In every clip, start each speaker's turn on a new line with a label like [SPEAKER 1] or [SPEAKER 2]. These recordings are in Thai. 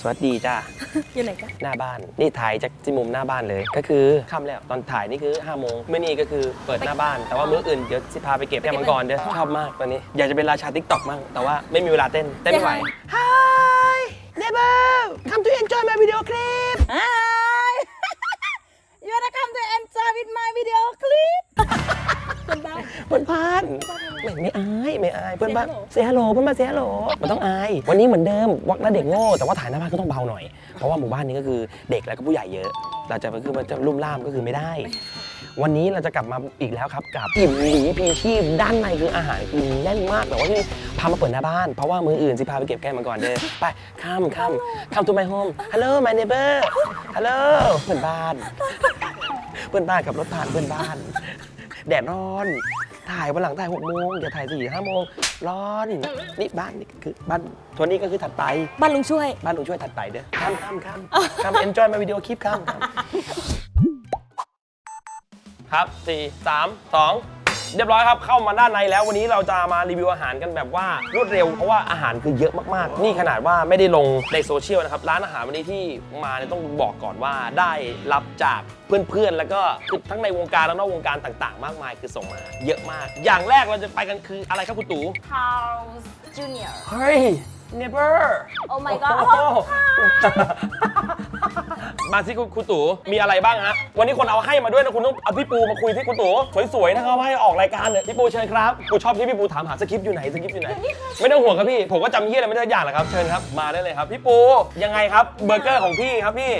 [SPEAKER 1] สวัสดีจ้า
[SPEAKER 2] อยู่ไหนกัน
[SPEAKER 1] หน้าบ้านนี่ถ่ายจากที่มุมหน้าบ้านเลยก็คือค่ำแล้วตอนถ่ายนี่คือ5 โมงเมื่อนี้ก็คือเปิดหน้าบ้านแต่ว่ามื้ออื่นเดี๋ยวสิพาไปเก็บแก้วมังกรเด้อชอบมากตอนนี้อยากจะเป็นราชา TikTok มั่งแต่ว่าไม่มีเวลาเต้นไม่ไหว Hi neighbor come to enjoy my video clip
[SPEAKER 2] Hi you wanna come to enjoy with my video clip
[SPEAKER 1] เพื่อนบ้านไม่อายเพื่อนบ้านเซฮัลโหลเพื่อนบ้านเซฮัลโหลมันต้องอายวันนี้เหมือนเดิมวักและเด็กโง่แต่ว่าถ่ายหน้าบ้านก็ต้องเบาหน่อยเพราะว่าหมู่บ้านนี้ก็คือเด็กแล้วก็ผู้ใหญ่เยอะเราจะคือมันจะลุ่มล่ามก็คือไม่ได้ วันนี้เราจะกลับมาอีกแล้วครับกับอิ่มหลีพีชีพด้านในคืออาหารคือแน่นมากแต่ว่าที่พามาเปิดหน้าบ้านเพราะว่ามืออื่นสิพาไปเก็บแก้วมังกรเด้อไปcome to my home hello my neighbor hello เพื่อนบ้านขับรถผ่านเพื่อนบ้านแดดร้อนถ่ายวันหลังถ่าย6 โมงอย่าถ่าย4 5 โมงร้อนนี่บ้านนี่คือบ้านทัวร์นี้ก็คือถัดไป
[SPEAKER 2] บ้านลุงช่วย
[SPEAKER 1] ถัดไปเด้อข้าม enjoy my video clip ครับ4 3 2เรียบร้อยครับเข้ามาด้านในแล้ววันนี้เราจะมารีวิวอาหารกันแบบว่ารวดเร็วเพราะว่าอาหารคือเยอะมากๆนี่ขนาดว่าไม่ได้ลงในโซเชียลนะครับร้านอาหารวันนี้ที่มาเนี่ยต้องบอกก่อนว่าได้รับจากเพื่อนๆแล้วก็คือทั้งในวงการและนอกวงการต่างๆมากมายคือส่งมาเยอะมากอย่างแรกเราจะไปกันคืออะไรครับคุณตู่
[SPEAKER 2] Carl's Jr.
[SPEAKER 1] เฮ้ย neighbor
[SPEAKER 2] Oh my god
[SPEAKER 1] มาสิคุณตู่มีอะไรบ้างฮะวันนี้คนเอาให้มาด้วยนะคุณต้องเอาพี่ปูมาคุยที่คุณตู่สวยๆนะครับให้ออกรายการเลยพี่ปูเชิญครับกูชอบที่พี่ปูถามหาสคริปต์อยู่ไหนไม่ต้องห่วงครับพี่ผมก็จำเฮียอะไรไม่ได้อย่างแหละครับเชิญครับมาได้เลยครับพี่ปูยังไงครับเบอร์เกอร์ของพี่ครับพี่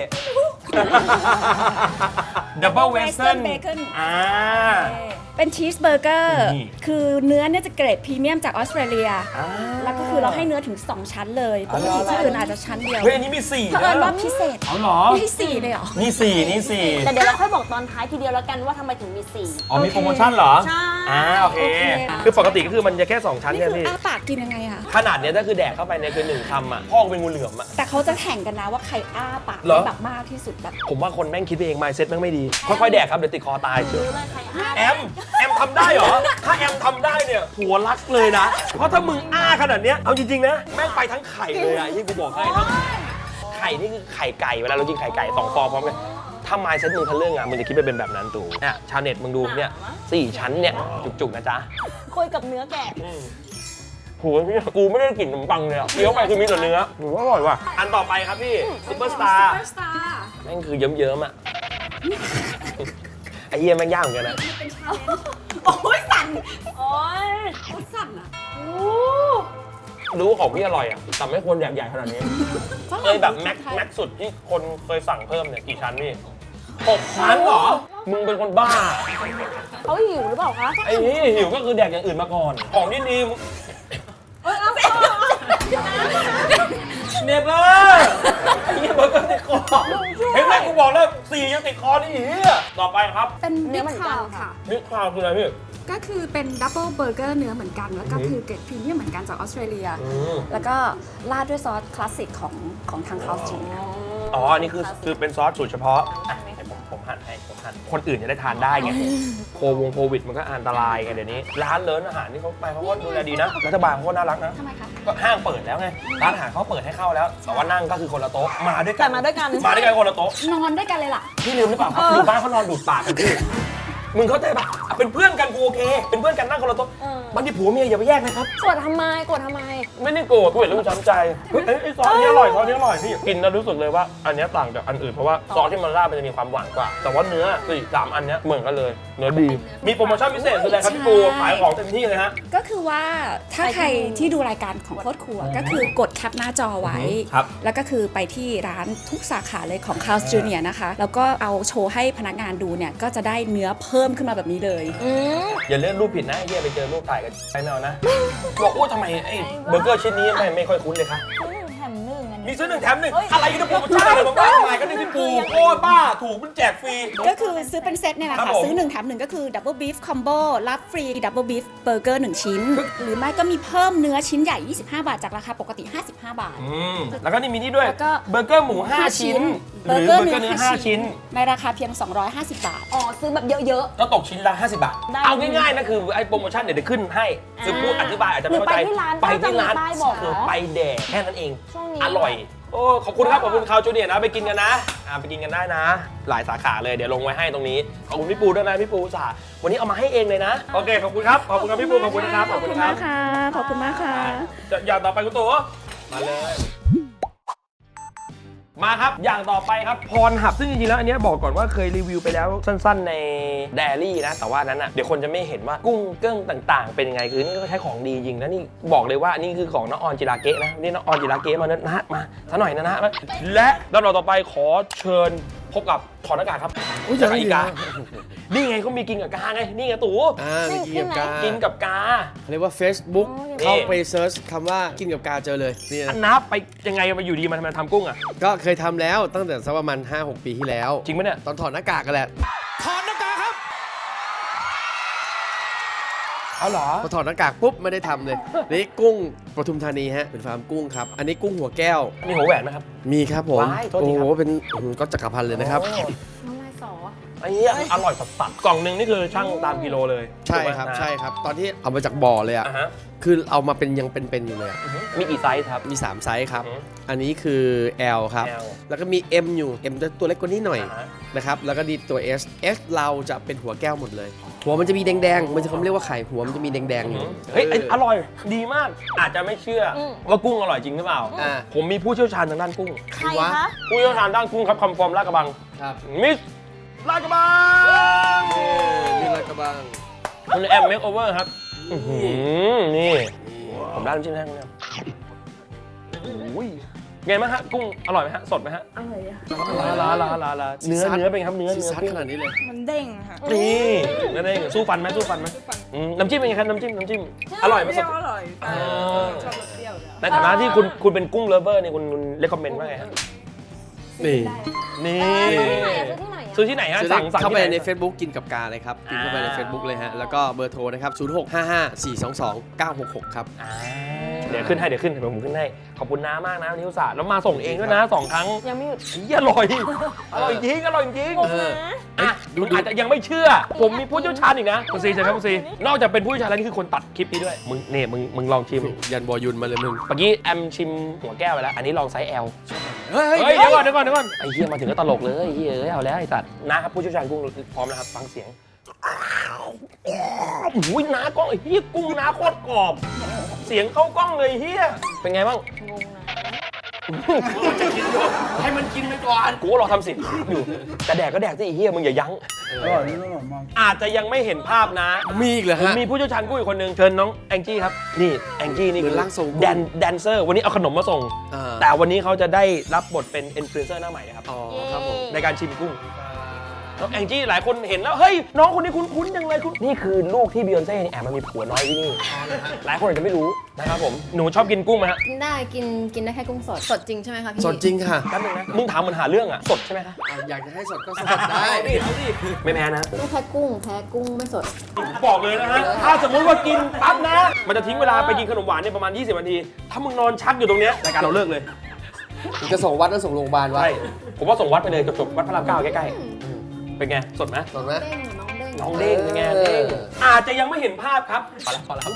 [SPEAKER 1] Double Western
[SPEAKER 2] Bacon
[SPEAKER 3] เป็นชีสเบอร์เกอร์
[SPEAKER 1] นี่
[SPEAKER 3] คือเนื้อเนี่ยจะเกรดพรีเมียมจากออสเตรเลีย แล้วก็คือเราให้เนื้อถึง 2 ชั้นเลยปกติที่อื่นอาจจะชั้นเดียว
[SPEAKER 1] เฮ้ยอันนี้มี4
[SPEAKER 3] เผอิญว่าพิเศษ
[SPEAKER 1] เอาเหรอ
[SPEAKER 3] ให้4เลยเหรอ
[SPEAKER 1] นี่4
[SPEAKER 2] แต่เดี๋ยวเราค่อยบอกตอนท้ายทีเดียวแล้วกันว่าทำไมถึงมี4
[SPEAKER 1] อ๋อมีโปรโมชั่นเหรอ
[SPEAKER 2] ใช่
[SPEAKER 1] โอเค
[SPEAKER 3] โอเค
[SPEAKER 1] คือปกติก็คือมันจะแค่2 ชั้น
[SPEAKER 3] นี่
[SPEAKER 1] เนี่ย
[SPEAKER 3] คือ
[SPEAKER 1] พี่
[SPEAKER 3] อ้าปากกินยังไงอะ
[SPEAKER 1] ขนาดเนี้ยถ้าคือแดกเข้าไปเนี่ยคือ1 คำอ่ะพ่อเป็นงูเหลือมอ่ะ
[SPEAKER 3] แต่เขาจะแข่งกันนะว่าใครอ้าปาก
[SPEAKER 1] เหรอ
[SPEAKER 3] แบบมากที่สุดแบบ
[SPEAKER 1] ผมว่าคนแม่งคิดไปเอง mindset แม่งไม่ดี ค่อยๆแดกครับเดี๋ยวติดคอตายเชียว
[SPEAKER 2] รู้เลยใครอ่ะ
[SPEAKER 1] แอมทำได้เหรอ ถ้าแอมทำได้เนี่ยหัวรักเลยนะ เพราะถ้ามึงอ้าขนาดเนี้ยเอาจริงๆนะแม่งไปทั้งไข่เลยอ่ะที่กูบอกให้ทั้งไข่นี่คือไข่ไก่เวลาเรากินไข่ไก่2 ฟองพร้อมกันถ้า mindset มึงทะลึ่งอ่ะมึงจะคิดไปเป็นแบบนั้นตู่เนี่ยชาวเน็ตมึงดูเนี่ย4 ชั้นเนี่ยจุกๆนะจ๊ะ
[SPEAKER 2] คุยกับเนื้อแกะ
[SPEAKER 1] โหพี่กูไม่ได้กลิ่นขนมปังเลยอ่ะเคี้ยวไปคือมีแต่เนื้อหนูว่าอร่อยว่ะอันต่อไปครับพี่ซุปเปอร์สตาร์แม่งคือเยิ้มๆอ่ะไอ้เหี้ยแม่งยากเหมือนกันนะ
[SPEAKER 3] โอ้ยสั่น
[SPEAKER 2] โอ้ย
[SPEAKER 3] สั่นอะ
[SPEAKER 1] รู้ว่าของพี่อร่อยอ่ะแต่ไม่ควรใหญ่ขนาดนี้เคยแบบแม็กสุดที่คนเคยสั่งเพิ่มเนี่ยกี่ชั้นพี่6 ชั้นเหรอมึงเป็นคนบ้า
[SPEAKER 2] เขาหิวหรือเปล่าคะ
[SPEAKER 1] ไอ้นี่หิวก็คือแดกอย่างอื่นมาก่อนของที่ดีมึงเนเบอร์ไอ้เหี้ยเบอร์เกอร์ติดคอเห็นไหมกูบอกแล้ว4ยังติดคอนี่เหี้ยต่อไปครับ
[SPEAKER 3] เป็น
[SPEAKER 2] เนื้
[SPEAKER 3] บิ๊
[SPEAKER 2] อก เหมือนกั
[SPEAKER 3] คาน ว
[SPEAKER 2] ค่ะ
[SPEAKER 3] ค่ะ
[SPEAKER 1] บิ๊กคราวคืออะไรพี่
[SPEAKER 3] ก็คือเป็นดับเบิลเบอร์เกอร์เนื้อเหมือนกัน แล้วก็คือเกรดพรีเมียมเหมือนกันจากออสเตรเลีย แล้วก็ราดด้วยซอสคลาสสิกของทางคาวจี
[SPEAKER 1] อ๋ออันนี้คือเป็นซอสสูตรเฉพาะอ่ะให้ผมหั่นให้คนอื่นจะได้ทานได้ไงโควิดมันก็อันตรายไงเดี๋ยวนี้ร้านเลิศอาหารที่เขาไปเขาก็ดูแลดีนะรัฐบาลเขาก็น่ารักนะ
[SPEAKER 3] ทำไมคะ
[SPEAKER 1] ก็ห้างเปิดแล้วไงร้านอาหารเขาเปิดให้เข้าแล้วแต่ว่านั่งก็คือคนละโต๊ะมาด้วยกั
[SPEAKER 2] แต่มาด้วยกัน
[SPEAKER 1] คนละโต๊ะ
[SPEAKER 3] นอนด้วยกันเลยล่ะ
[SPEAKER 1] พี่ลืมหรือเปล่าครับอยู่บ้านเขานอนดูดปากกันพี่มึงเข้าใจปะเป็นเพื่อนกันกูโอเค เป็นเพื่อนกันนั่งคนละโต๊ะบางทีผัวเมียอย่าไปแยกนะครับ
[SPEAKER 2] โกรธทำไม
[SPEAKER 1] ไม่ได้โกรธกูเห็นแล้วมันช้ำใจเฮ้ยไอ้ซอสนี้อร่อยพี่กินแล้วรู้สึกเลยว่าอันนี้ต่างจากอันอื่นเพราะว่าซอสที่มันราดมันจะมีความหวานกว่าแต่ว่าเนื้อ3 อันเนี้ยเหมือนกันเลยเนื้อดีมีโปรโมชั่นพิเศษคืออะไรครับพี่ปูขายของเต็มที่เลยฮะ
[SPEAKER 3] ก็คือว่าถ้าใครที่ดูรายการของโคตรครัวก็คือกดแคปหน้าจอไว้
[SPEAKER 1] ครับ
[SPEAKER 3] แล้วก็คือไปที่ร้านทุกสาขาเลยของ Carl's Jr. นะคะ แล้วก็เอาโชว์ให้พนักงานดูเนี่ย ก็จะได้เนื้อเพิ่มขึ้นมาแบบนี้เลย
[SPEAKER 1] อย่าเลื่อนรูปผิดนะไอ้เหี้ยไปเจอรูปถ่ายกันไปไม่เอานะบอกว่าทำไมไอ้เบอร์เกอร์ชิ้นนี้ไม่ค่อยคุ้นเลยคะ
[SPEAKER 2] แถมหนึ่งอัน
[SPEAKER 1] มี
[SPEAKER 2] นี้
[SPEAKER 1] ซื้อ1 แถม 1อะไรกันนะโปรโมชั่นอะไรบ้างมายก็ได้พี่ปูโอ้บ้าถูกมันแจกฟรี
[SPEAKER 3] ก็คือซื้อเป็นเซตเนี่ยแหละ
[SPEAKER 1] ครั
[SPEAKER 3] ค่ะ
[SPEAKER 1] บผม
[SPEAKER 3] ซื้อ1แถม1ก็คือ Double Beef Combo รับฟรี Double Beef Burger 1 ชิ้น หรือไม่ก็มีเพิ่มเนื้อชิ้นใหญ่ 25 บาทจากราคาปกติ 55 บาท
[SPEAKER 1] แล้วก็นี่มีนี่ด้วย
[SPEAKER 3] แล้วก็
[SPEAKER 1] เบอร์เกอร์หมู5 ชิ้นหรือเบอร์เกอร์เนื้อ5ชิ้น
[SPEAKER 3] ในราคาเพียง 250 บาท
[SPEAKER 2] อ๋อซื้อแบบเยอะ
[SPEAKER 1] ก็ตกชิ้นละ50 บาท
[SPEAKER 2] ได้
[SPEAKER 1] เอาง่ายๆนะคือไอ้โปรโมชั่นเดี๋ยวขึ้นให้คือพูดอธิบายอาจจะไม่เข้าใจ
[SPEAKER 2] หรือ
[SPEAKER 1] ไป
[SPEAKER 2] ไปที่
[SPEAKER 1] ที่ร้า
[SPEAKER 2] ร้าน น
[SPEAKER 1] ไป
[SPEAKER 2] บอกเหรอ
[SPEAKER 1] แดกแค่นั้นเอง
[SPEAKER 2] ช่วงนี้
[SPEAKER 1] อร่อยโอ้ขอบคุณครับขอบคุณคาวจูเนียร์นะไปกินกันนะไปกินกันได้นะ หลายสาขาเลยเดี๋ยวลงไว้ให้ตรงนี้ขอบคุณพี่ปูด้วยนะพี่ปูสาวันนี้เอามาให้เองเลยนะโอเคขอบคุณครับขอบคุณครับพี่ปูขอบคุณนะครับขอบคุณครับ
[SPEAKER 3] ขอบคุณมากค่ะ
[SPEAKER 1] อย่างต่อไปคุณตู่มาเลย มาครับอย่างต่อไปครับพรหับซึ่งจริงๆแล้วอันเนี้ยบอกก่อนว่าเคยรีวิวไปแล้วสั้นๆในเดลี่นะแต่ว่านั้นอ่ะเดี๋ยวคนจะไม่เห็นว่ากุ้งเกิ้งต่างๆ เป็นยังไงคือนี่ก็ใช้ของดีจริงนะนี่บอกเลยว่านี่คือของน้องออนจิราเกะนะนี่น้องออนจิราเกะมานะมาซะหน่อยนะและลำดับต่อไปขอเชิญพบกับถอดหน้ากากครับจากอีกานี่ไงเขามีกินกับกาไงนี่ไงตู่
[SPEAKER 4] มีกินกับกา
[SPEAKER 1] กินกับกา
[SPEAKER 4] เขาเรียกว่า Facebook
[SPEAKER 1] นี่
[SPEAKER 4] เข้าไปเซิร์ชคำว่ากินกับกาเจอเลยนี่
[SPEAKER 1] อัน
[SPEAKER 4] นะ
[SPEAKER 1] นับไปยังไงมาอยู่ดีมันทำกุ้งอ่ะ
[SPEAKER 4] ก็เคยทำแล้วตั้งแต่สักประมาณ 5-6 ปีที่แล้ว
[SPEAKER 1] จริงไหมเนี่ย
[SPEAKER 4] ตอนถอดหน้ากากกันแหละ
[SPEAKER 1] ถอดหน้ากากครับเอาเหรอ
[SPEAKER 4] พอถอดหน้ากากปุ๊บไม่ได้ทำเลยนี่กุ้งปทุมธานีฮะเป็นฟาร์มกุ้งครับอันนี้กุ้งหัวแก้ว
[SPEAKER 1] มีหัวแหวนไหมครับ
[SPEAKER 4] มีครับผม
[SPEAKER 1] ว้ายโทษที
[SPEAKER 4] โอ้
[SPEAKER 1] ครับ
[SPEAKER 4] โหเป็นก็จักรพันธ์เลยนะครับ
[SPEAKER 1] โอ้
[SPEAKER 3] น้ำลายสอ
[SPEAKER 1] ไอ้เนี้ยอร่อยสัสๆกล่องหนึงนี่คือช่างตามกิโลเลย
[SPEAKER 4] ใช่ครับ
[SPEAKER 1] ถูกไหม
[SPEAKER 4] ใช่ครับ ตอนที่เอามาจากบ่อเลยอ่ะ
[SPEAKER 1] อ่าฮะ
[SPEAKER 4] คือเอามาเป็นยังเป็นๆอยู่เลยอะ
[SPEAKER 1] มีกี่ไซส์ครับ
[SPEAKER 4] มี 3 ไซส์ครับ
[SPEAKER 1] อือฮึ
[SPEAKER 4] อันนี้คือ L ครับ
[SPEAKER 1] L
[SPEAKER 4] แล้วก็มี M อยู่ M จะตัวเล็กกว่านี้หน่อย
[SPEAKER 1] อ่าฮะ
[SPEAKER 4] นะครับ แล้วก็ดีตัว S S เราจะเป็นหัวแก้วหมดเลย หัวมันจะมีแดงๆ มันจะเขาเรียกว่าไข่หัวมันจะมีแดงๆอยู่
[SPEAKER 1] เฮ้ยอร่อยดีมากอาจจะไม่เชื่ออว่ากุ้งอร่อยจริงหรือเปล่า
[SPEAKER 4] อ่า
[SPEAKER 1] ผมมีผู้เชี่ยวชาญทางด้านกุ้ง
[SPEAKER 2] ๆใครคะ
[SPEAKER 1] ผู้เชี่ยวชาญด้านกุ้งครับคำฟอร์มลาดกระบัง
[SPEAKER 4] ครับ
[SPEAKER 1] มิสลาดกระบัง
[SPEAKER 4] นี่ละกระบัง
[SPEAKER 1] คุณแอมเมคโอเวอร์ครับอื้อหือนี่ผมได้น้ำจิ้มแห้งเนี่ยโอ้ยไงบ้างฮะกุ้งอร่อยไหมฮะสดไหมฮะ
[SPEAKER 2] อร่อยอะ
[SPEAKER 1] ลาเนื้อเป็นไงครับเนื้อ
[SPEAKER 4] ซีซัด
[SPEAKER 1] กุ้ง
[SPEAKER 4] ขนาดนี้เลย
[SPEAKER 2] มันเด้งค่ะ
[SPEAKER 1] นี่นั่นเองสู้ฟันไหมน้ำจิ้มเป็นไงครับน้ำจิ้มอร่อยไหมสด
[SPEAKER 2] อร่อย
[SPEAKER 1] อ่า
[SPEAKER 2] ชอบรสเปรี้ยวอยู่แล้ว
[SPEAKER 1] ในฐานะที่คุณเป็นกุ้งเลฟเวอร์เนี่ยคุณเลคคอมเมนต์ว่าไงฮะ
[SPEAKER 4] นี่
[SPEAKER 1] นี่
[SPEAKER 2] ซื้อที่ไหนอะซื้อที่ไหนอะ
[SPEAKER 1] ซื้อที่ไหนฮะสั่ง
[SPEAKER 4] เข้าไป
[SPEAKER 1] ที่ห
[SPEAKER 4] ใน Facebook กินกับกาเลยครับกินเข้าไปใน Facebook เลยฮะ แล้วก็เบอร์โทรนะครับ 0655422966 ครับ
[SPEAKER 1] อ่าเดี๋ยวขึ้นให้ผมขึ้นให้ขอบคุณน้ามากนะนิวศาสตร์แล้วมาส่งเองด้วยนะ2 ครั้ง
[SPEAKER 2] ยังไม่หยุด
[SPEAKER 1] อร่อยจริงอร่อยจริง
[SPEAKER 4] เออ
[SPEAKER 1] อ่ะคุณอาจจะยังไม่เชื่อ ผมมีผู้เชี่ยวชาญอีกนะคุณซีใช่ไหมคุณซีนอกจากเป็นผู้เชี่ยวชาญแล้วนี่คือคนตัดคลิปนี้ด้วยมึงลองชิม
[SPEAKER 4] ยันบอยุนมาเลยมึง
[SPEAKER 1] เมื่อกี้แอมชิมหัวแก้วไปแล้ว อันนี้ลองไซส์ L
[SPEAKER 4] เฮ้ย
[SPEAKER 1] เฮ้ยเดี๋ยวก่อนไอ้เหี้ยมาถึงก็ตลกเลยไอ้เหี้ยเอ้ยเอาแล้วไอ้สัตว์นะครับผู้เชี่ยวชาญกุ้งพร้อมนะครับฟังเสียงอุ้ยน้ากล้องไอ้เหี้ยกุ้งน้าโคตรกรอบ เสียงเข้ากล้องเลยเหี้ยเป็นไงบ้าง
[SPEAKER 2] งงนะ
[SPEAKER 4] ให้มันกินไปก่อน
[SPEAKER 1] กูก็รอทำสิอยู่แต่แดกก็แดกสิไอ้เหี้ยมึงอย่ายั้งอาจจะยังไม่เห็นภาพนะ
[SPEAKER 4] มีอีกเหรอ
[SPEAKER 1] ผม
[SPEAKER 4] ฮะ
[SPEAKER 1] มีผู้เชี่ยวชาญกุ้งอีกคนหนึ่งเชิญน้องแองจี้ครับนี่แองจี้นี่
[SPEAKER 4] เหมือนร่างทรงกุ้ง
[SPEAKER 1] แดนเซอร์วันนี้เอาขนมมาส่ง
[SPEAKER 4] อ่า
[SPEAKER 1] แต่วันนี้เขาจะได้รับบทเป็นอินฟลูเอนเซอร์หน้าใหม่นะครับ
[SPEAKER 4] อ๋อครับผม
[SPEAKER 1] ในการชิมกุ้งน้องแองจี้หลายคนเห็นแล้วเฮ้ยน้องคนนี้คุ้นๆจังเลยนี่คือลูกที่บิยอนเซ่แอบมามีผัวน้อยที่นี่หลายคนอาจจะไม่รู้นะครับผมหนูชอบกินกุ้งไหมฮะ
[SPEAKER 5] กินได้กินได้แค่กุ้งสด สดจริงใช่ไหมคะพี่
[SPEAKER 4] สดจริงค่ะ
[SPEAKER 1] แป๊บนึงนะมึงถามเหมือนหาเรื่องอะสดใช่ไหมคะ
[SPEAKER 4] อยากจะให้สดก็สดได้
[SPEAKER 1] เอาดิไม่แพ้นะ
[SPEAKER 5] ไม่แพ้กุ้งแพ้กุ้งไม่สด
[SPEAKER 1] บอกเลยนะฮะถ้าสมมุติว่ากินปั๊บนะ มันจะทิ้งเวลาไปกินขนมหวานเนี่ยประมาณ20 นาทีถ้ามึงนอนชักอยู่ตรงเนี้ยรายการเราเลิกเลย
[SPEAKER 4] จะส่งวัดแล้วส่งโรงพยาบาลวะ
[SPEAKER 1] ใช่ผมว่าส่งวัดไปเลยจบวัดพระราม 9ใกล้ๆเป็นไงสดไหม
[SPEAKER 4] สดไหม
[SPEAKER 5] เด้งน้องเด้ง
[SPEAKER 1] น้องเด้งเป็นไงเด้งอาจจะยังไม่เห็นภาพครับพอแล้ว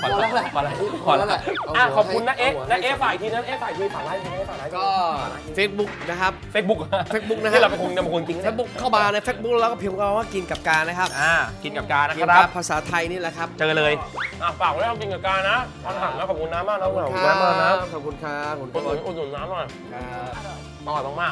[SPEAKER 1] ขอบคุณนะเอ๊ะนะเอ๊ะฝ่ายทีนะเอ๊ะฝ่ายทีฝ่ายไลฟ์ฝ่ายไลฟ์
[SPEAKER 4] ก็ Facebook นะครับ
[SPEAKER 1] Facebook
[SPEAKER 4] Facebook นะฮะ
[SPEAKER 1] ที่เราเป็นคนจริง
[SPEAKER 4] Facebook เข้ามาใน Facebook แล้วก็พิมพ์คำว่ากินกับกานะครับ
[SPEAKER 1] กินกับการนะ
[SPEAKER 4] กิ
[SPEAKER 1] คน
[SPEAKER 4] กั
[SPEAKER 1] รั
[SPEAKER 4] บบ ภาษาไทยนี่แหละครับ
[SPEAKER 1] เจอเลยฝากไว้ทำกินกับการนะพันหักนะขอบคุณน้ำมากนะขอบคุณน้ำมากนะ
[SPEAKER 4] ขอบคุณครับขอบ
[SPEAKER 1] อุ
[SPEAKER 4] คุ
[SPEAKER 1] ด
[SPEAKER 4] ณ
[SPEAKER 1] หนุนอุดหนุนน้ำหน่อย
[SPEAKER 4] ครับ
[SPEAKER 1] อร่อยมาก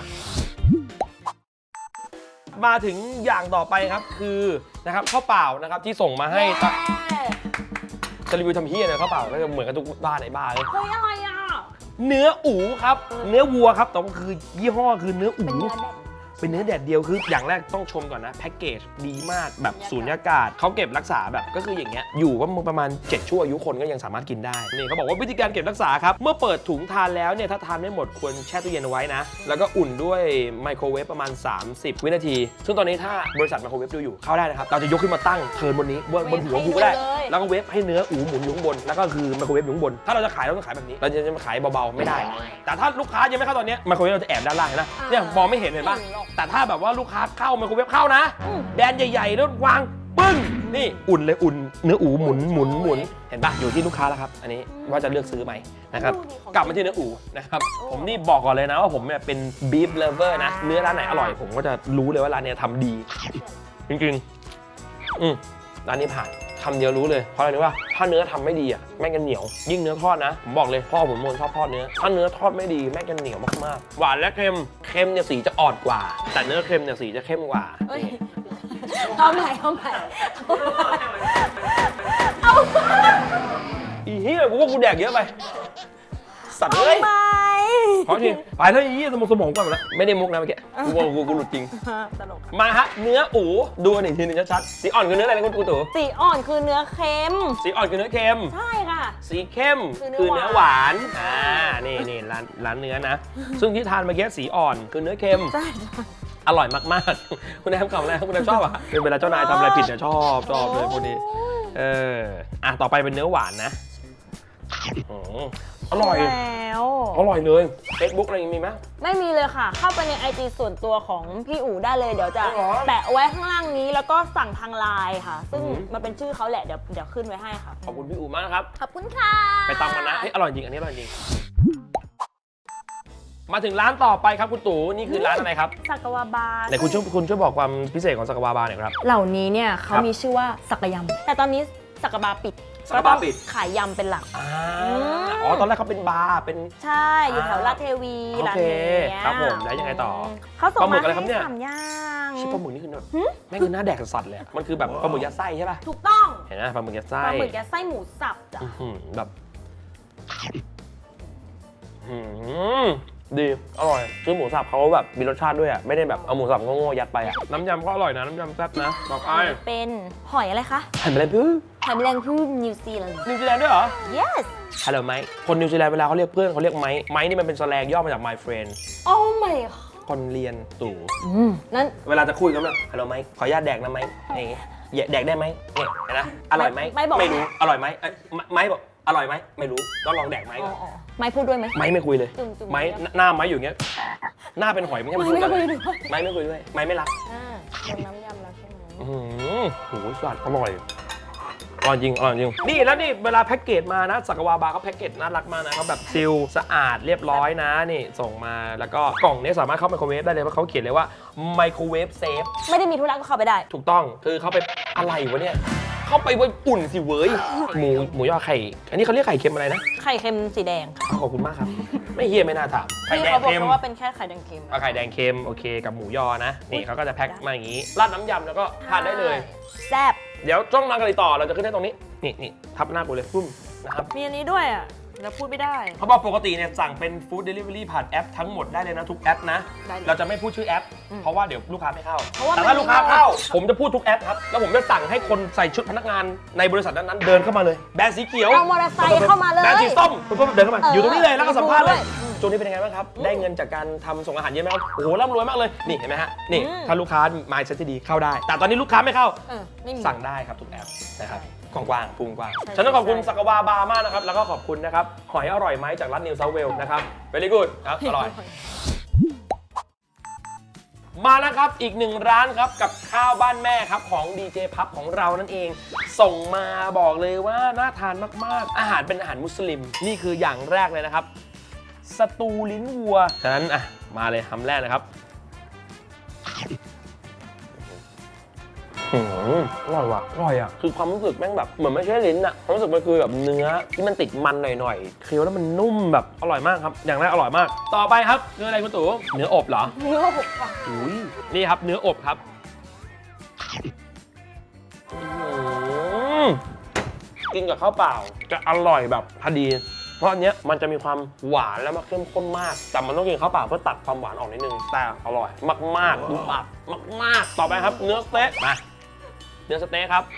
[SPEAKER 1] มาถึงอย่างต่อไปครับคือนะครับข้าวเปล่านะครับที่ส่งมาให้จะรีวิวทำเฮียเนี่ยข้าวเปล่าก็จะเหมือนกับทุกบ้านในบ้านเลย
[SPEAKER 2] เฮ้ยอะไรอ่ะ
[SPEAKER 1] เนื้ออู๋ครับเนื้อวัวครับแต่ว่าคือยี่ห้อคือเนื้ออู๋
[SPEAKER 2] เป็นเนื้อแดด
[SPEAKER 1] เป็นเนื้อแดดเดียวคืออย่างแรกต้องชมก่อนนะแพ็กเกจดีมากแบบสูญญากาศเขาเก็บรักษาแบบก็คืออย่างเงี้ยอยู่ก็ประมาณ7ชั่วอายุคนก็ยังสามารถกินได้นี่เขาบอกว่าวิธีการเก็บรักษาครับเมื่อเปิดถุงทานแล้วเนี่ยถ้าทานไม่หมดควรแช่ตู้เย็นเอาไว้นะแล้วก็อุ่นด้วยไมโครเวฟประมาณ30 วินาทีซึ่งตอนนี้ถ้าบริษัทไมโครเวฟดูอยู่เข้าได้นะครับเราจะยกขึ้นมาตั้งเทิร์นบนนี้บนหัวกูก็ได้แล้วก็เวฟให้เนื้ออูหมุนอยู่ข้างบนแล้วก็คือไมโครเวฟอยู่ข้างบนถ้าเราจะขายเราต้องขายแบบนี้เราจะมาขายเบาๆไม่ได้ แต่ถ้าลูกค้ายังไม่เข้าตอนนี้ไมโครเวฟเราจะแอบด้านล่างนะเนี่ยมองไม่เห็นเห็นป่ะแต่ถ้าแบบว่าลูกค้าเข้าไมโครเวฟเข้านะแบรนด์ใหญ่ๆแล้ววางปึ้งนี่อุ่นเลยอุ่นเนื้ออูหมุนเห็นป่ะอยู่ที่ลูกค้าแล้วครับอันนี้ว่าจะเลือกซื้อไหมนะครับกลับมาที่เนื้ออูนะครับผมนี่บอกก่อนเลยนะว่าผมเนี่ยเป็น beef lover นะเนื้อร้านไหนอร่อยผมก็จะรู้เลยว่าร้านเนี้ยทำดีจริงๆร้านนี้ผ่านคำเดียวรู้เลยเพราะอะไรรู้ป่ะถ้าเนื้อทำไม่ดีอ่ะแม่งจะเหนียวยิ่งเนื้อทอดนะผมบอกเลยพ่อผมชอบทอดเนื้อถ้าเนื้อทอดไม่ดีแม่งจะเหนียวมากๆหวานและเค็มเนี่ยสีจะอ่อนกว่าแต่เนื้อเค็มเนี่ยสีจะเข้มกว่า
[SPEAKER 2] เอาใหม่
[SPEAKER 1] อีเหี้ยกูว่ากูแดกเยอะไปสัตว์เลย ขอทีไปแล้วอีสมองก่อนหมดแล้วไม่ได้มุกนะเมื่อกี้กูหลุดจริง
[SPEAKER 2] ตลก
[SPEAKER 1] มาฮะเนื้ออูดูกันอีกทีหนึงชัดๆสีอ่อนคือเนื้ออะไรนะคุณตู่
[SPEAKER 2] สีอ่อนคือเนื้อเค็ม
[SPEAKER 1] สีอ่อนคือเนื้อเค็ม
[SPEAKER 2] ใช่ค่ะ
[SPEAKER 1] สีเข้ม
[SPEAKER 2] คื
[SPEAKER 1] คือ
[SPEAKER 2] อเนื้
[SPEAKER 1] เนื้อ
[SPEAKER 2] อ
[SPEAKER 1] หวานนี่ร้านเนื้อนะ ซึ่งที่ทานเมื่อกี้สีอ่อนคือเนื้อเค็ม
[SPEAKER 2] ใช่
[SPEAKER 1] อร่อยมากๆคุณแอมกล่องแรกคุณแอมชอบอ่ะคือเวลาเจ้านายทำอะไรผิดเนี่ยชอบเลยพวกนี้ต่อไปเป็นเนื้อหวานนะอร่อย
[SPEAKER 2] แล้ว
[SPEAKER 1] อร่อยเลย Facebook อะไรมีไหม
[SPEAKER 2] ไม่มีเลยค่ะ เข้าไปใน IG ส่วนตัวของพี่อู๋ได้เลยเดี๋ยวจะ
[SPEAKER 1] อ๋อ
[SPEAKER 2] แปะเอาไว้ข้างล่างนี้แล้วก็สั่งทางไลน์ค่ะ ซึ่งมันเป็นชื่อเขาแหละเดี๋ยวขึ้นไว้ให้ค่ะ
[SPEAKER 1] ขอบคุณพี่อู๋มากนะครับ
[SPEAKER 2] ขอบคุณค่ะ
[SPEAKER 1] ไปตามกันนะอร่อยจริงอันนี้อร่อยจริง มาถึงร้านต่อไปครับคุณตู่นี่คือร้านอะไรครับ
[SPEAKER 2] สักวาบาร์
[SPEAKER 1] ไหนคุณช่วยบอกความพิเศษของสักวาบาร์หน่อยครับ
[SPEAKER 2] เหล่านี้เนี่ยเขา
[SPEAKER 1] ครับ
[SPEAKER 2] มีชื่อว่าสักยำแต่ตอนนี้สักบาร์ปิด
[SPEAKER 1] สักบาร์ปิด
[SPEAKER 2] ก็ต้องขายยำเป็นหลัก
[SPEAKER 1] ตอนแรกเขาเป็นบาร์เป็น
[SPEAKER 2] ใช่ อยู่แถวลาดเทวี
[SPEAKER 1] โอ
[SPEAKER 2] ร้าน
[SPEAKER 1] เค
[SPEAKER 2] นี้
[SPEAKER 1] ครับผมแล้วยังไงต่อ
[SPEAKER 2] เขาส่ง
[SPEAKER 1] ปลาหมึ
[SPEAKER 2] มาก
[SPEAKER 1] อะไรครับเนี่ย
[SPEAKER 2] ให้3อย่าง
[SPEAKER 1] ชิปปลาหมึกนี่คือแบบแม่งคือหน้าแดกสัตว์เลยอะมันคือแบบปลาหมึกยัดไส้ใช่ป่ะ
[SPEAKER 2] ถูกต้อง
[SPEAKER 1] เห็นไหมปลาหมึกยัดไส้
[SPEAKER 2] ปลาหมึกยัดไส้หมูสับจ้ะ
[SPEAKER 1] แบบดีอร่อยคือหมูสับเขาแบบมีรสชาติด้วยอ่ะไม่ได้แบบเอาหมูสับโง่ๆยัดไปอ่ะน้ำยำก็อร่อยนะน้ำยำแซ่บนะบอกไอ้
[SPEAKER 2] เป็นหอยอะไรคะ
[SPEAKER 1] หันไปเลยพี่
[SPEAKER 2] หอยแมลงภู่นิวซีแลนด์
[SPEAKER 1] นิวซีแลนด์ด้วยเหรอ
[SPEAKER 2] yes
[SPEAKER 1] ฮัลโหลไมค์คนนิวซีแลนด์เวลาเขาเรียกเพื่อนเขาเรียกไมค์ไมค์นี่มันเป็นแสแลงย่อมาจาก my friend
[SPEAKER 2] oh my god
[SPEAKER 1] คนเรียนตู่
[SPEAKER 2] นั้น
[SPEAKER 1] เวลาจะคุยกันแบบฮัลโหลไมค์ขออนุญาตแดกนะไมค์นี่แดกได้ไหมเนี่ยเห็นนะอร่อยไหม
[SPEAKER 2] ไม่บอก
[SPEAKER 1] ไม่รู้อร่อยไหมไมค์บอกอร่อยไหมไม่รู้ต้องลองแดกไมค์ก่อน
[SPEAKER 2] ไม่พูดด้วยไหม
[SPEAKER 1] ไมค์ไม่คุยเลย
[SPEAKER 2] จุ่มๆ
[SPEAKER 1] ไมค์หน้าไมค์อยู่อย่างเงี้ยหน้าเป็นหอยไม่ใช่มันพูดกัน
[SPEAKER 2] ไม่คุยด้วย
[SPEAKER 1] ไมค์ไม่คุยด้วยไมค์ไม่รัก
[SPEAKER 2] โดนน้ำยำแล้วใช่ไหม
[SPEAKER 1] โหสัตว์อร่อยอร่อยจริงอร่อยจริงนี่แล้วนี่เวลาแพ็กเกจมานะสักวาบาร์เขาแพ็กเกจน่ารักมากนะเขาแบบซีลสะอาดเรียบร้อยนะนี่ส่งมาแล้วก็กล่องนี้สามารถเข้าไมโครเวฟได้เลยเพราะเขาเขียนเลยว่าไมโครเวฟเซฟ
[SPEAKER 2] ไม่ได้มีธุระก็เข้าไปได้
[SPEAKER 1] ถูกต้องคือเขาไปอะไรวะเนี่ยเข้าไปไว้อุ่นสิเว้ยหมูยอไข่อันนี้เขาเรียกไข่เค็มอะไรนะ
[SPEAKER 2] ไข่เค็มสีแดง
[SPEAKER 1] ขอบคุณมากครับไม่เฮียไม่น่าถามไข่
[SPEAKER 2] ที่
[SPEAKER 1] แดง
[SPEAKER 2] เขาบอก
[SPEAKER 1] เค็ม
[SPEAKER 2] ว่าเป็นแค่ไข่แดงเค็ม
[SPEAKER 1] เอาไข่แดงเค็มโอเคกับหมูยอนะนี่เขาก็จะแพ็คมาอย่างนี้ราดน้ำยำแล้วก็ทานได้เลย
[SPEAKER 2] แซ่บ
[SPEAKER 1] เดี๋ยวจ้องนางกันเลยต่อเราจะขึ้นให้ตรงนี้นี่ทับหน้ากูเลยปุ้มนะครับ
[SPEAKER 2] มีอันนี้ด้วยอ่ะแล้วพูดไม่ได้
[SPEAKER 1] เขาบอกปกติเนี่ยสั่งเป็นฟู้ดเดลิเวอรี่ผ่านแอปทั้งหมดได้เลยนะทุกแอปนะ
[SPEAKER 2] ได้เลย
[SPEAKER 1] เราจะไม่พูดชื่อแอป เพราะว่าเดี๋ยวลูกค้าไม่เข้า
[SPEAKER 2] เพราะว่า
[SPEAKER 1] แต่ถ้า
[SPEAKER 2] มัน
[SPEAKER 1] ลูกค้าเข้า ผมจะพูดทุกแอปครับแล้วผมจะสั่งให้คนใส่ชุดพนักงานในบริษัทนั้นๆเดินเข้ามาเลยแบรนด์สีเขียว
[SPEAKER 2] เอามอเตอร์ไซค์เข้ามาเลย
[SPEAKER 1] แบรนด์สีส้มปุ๊บเดินเข้ามาอยู่ตรงนี้เลยแล้วก็สัมภาษณ์เลย
[SPEAKER 2] อืม
[SPEAKER 1] ช่วงนี้เป็นยังไงบ้างครับได้เงินจากการทำส่งอาหารเยอะไหมครับโอ้โหร่ำรวยมากเลยนี่เห็นไหมฮะนี่ถ้าลูกค้ามาเซ็ตที่ดีเข้าได้ แต่ตอนนี้ลูกค้าไม่เข้า
[SPEAKER 2] ไม่มี
[SPEAKER 1] สั่งได้ครับทุกแอปนะครับ
[SPEAKER 2] ใช่
[SPEAKER 1] กว้างๆพุงกว้าง
[SPEAKER 2] ใช่
[SPEAKER 1] ฉันต้องขอบคุณ
[SPEAKER 2] ใช่
[SPEAKER 1] สักวาบาร์มากนะครับ แล้วก็ขอบคุณนะครับ หอยอร่อยไหมจากร้านนิวเซาเวลนะครับ very good ครับ อร่อย มาแล้วครับ อีกหนึ่งร้านครับ กับข้าวบ้านแม่ครับ ของดีเจพับของเรานั่นเอง ส่งมาบอกเลยว่าน่าทานมากๆ อาหารเป็นอาหารมุสลิม นี่คืออย่างแรกเลยนะครับ สตูลิ้นวัว ฉะนั้นอ่ะมาเลยคำแรกนะครับ อร่อยว่ะอร่อยอ่ะคือความรู้สึกแม่งแบบเหมือนไม่ใช่ลิ้นอ่ะความรู้สึกมันคือแบบเนื้อที่มันติดมันหน่อยๆเคี้ยวแล้วมันนุ่มแบบอร่อยมากครับอย่างแรกอร่อยมากต่อไปครับเนื้ออะไรคุณตู่เนื้ออบเหรอ
[SPEAKER 2] เนื้อหกค่ะ
[SPEAKER 1] อุ้ยนี่ครับเนื้ออบครับกินกับข้าวเปล่าจะอร่อยแบบพอดีเพราะอันเนี้ยมันจะมีความหวานแล้วมันเข้มข้นมากแต่มันต้องกินข้าวเปล่าเพื่อตัดความหวานออกนิดนึงแต่อร่อยมากๆดูปากมากๆต่อไปครับเนื้อสเต๊กมาเนื้อสเต๊กครับ